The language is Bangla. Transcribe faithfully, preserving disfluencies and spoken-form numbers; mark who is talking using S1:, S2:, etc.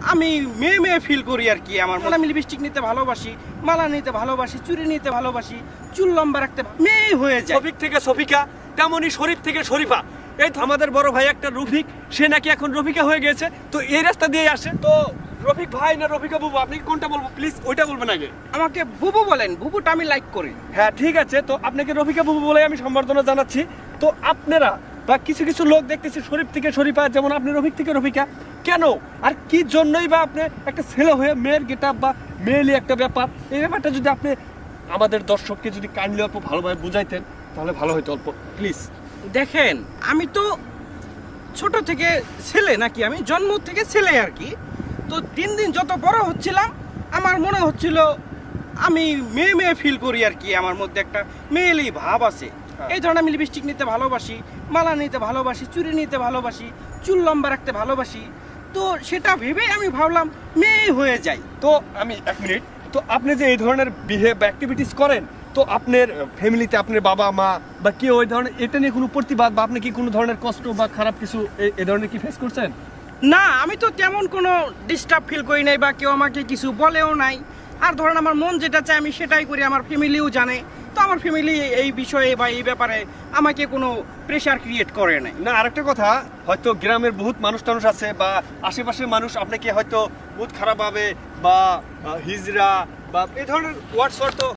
S1: আমি মেয়ে মেয়ে ফিল করি আর কি। আমার আমি লিপস্টিক নিতে ভালোবাসি, মালা নিতে ভালোবাসি, চুড়ি নিতে ভালোবাসি, চুল লম্বা রাখতে মেয়ে হয়ে যায়।
S2: শফিক থেকে শফিকা, তেমনই শরীফ থেকে শরীফা। এই তো আমাদের বড় ভাই একটা রফিক, সে নাকি এখন রফিকা হয়ে গেছে। তো এই রাস্তা দিয়ে আসে। তো রফিক ভাই না রফিকা বুবু, আপনি কোনটা বলবো প্লিজ ওইটা বলবেন আগে।
S1: আমাকে বুবু বলেন, বুবুটা আমি লাইক করি।
S2: হ্যাঁ ঠিক আছে, তো আপনাকে রফিকা বুবু বলে আমি সম্বর্ধনা জানাচ্ছি। তো আপনারা বা কিছু কিছু লোক দেখতেছি শরীফ থেকে শরীফা, যেমন আপনি রফিক থেকে রফিকা, কেন আর কি জন্যই বা আপনি একটা ছেলে হয়ে মেয়ের গেটআপ বা মেয়েলি একটা ব্যাপার, এই ব্যাপারটা যদি আপনি আমাদের দর্শককে যদি কাইন্ডলি অল্প ভালোভাবে বুঝাইতেন তাহলে ভালো হতো অল্প প্লিজ।
S1: দেখেন, আমি তো ছোট থেকে ছেলে নাকি, আমি জন্ম থেকে ছেলে আর কি। তো দিন দিন যত বড় হচ্ছিলাম আমার মনে হচ্ছিল আমি মেয়ে মেয়ে ফিল করি আর কি। আমার মধ্যে একটা মেয়েলি ভাব আছে। এই ধরনের আমি লিপস্টিক নিতে ভালোবাসি, মালা নিতে ভালোবাসি, চুড়ি নিতে ভালোবাসি, চুল লম্বা রাখতে ভালোবাসি। তো সেটা ভেবেই আমি ভাবলাম মেয়ে হয়ে যাই।
S2: তো আমি এক মিনিট, তো আপনি যে এই ধরনের বিহেভ বা অ্যাক্টিভিটিস করেন, তো আপনার ফ্যামিলিতে আপনার বাবা মা বা কেউ ওই ধরনের এটা নিয়ে কোনো প্রতিবাদ বা আপনি কি কোনো ধরনের কষ্ট বা খারাপ কিছু এ- এ ধরনের কি ফেস করছেন?
S1: না, আমি তো তেমন কোনো ডিস্টার্ব ফিল করি নাই বা কেউ আমাকে কিছু বলেও নাই। আর ধরেন আমার মন যেটা চায় আমি সেটাই করি, আমার ফ্যামিলিও জানে। তো আমার ফ্যামিলি এই বিষয়ে বা এই ব্যাপারে আমাকে কোনো প্রেশার ক্রিয়েট করে নাই।
S2: না, আরেকটা কথা, হয়তো গ্রামের বহুত মানুষ টানুষ আছে বা আশেপাশের মানুষ আপনাকে হয়তো বহুত খারাপভাবে বা আহ, হিজড়া বা এই ধরনের ওয়ার্ডস ওয়ার্ড তো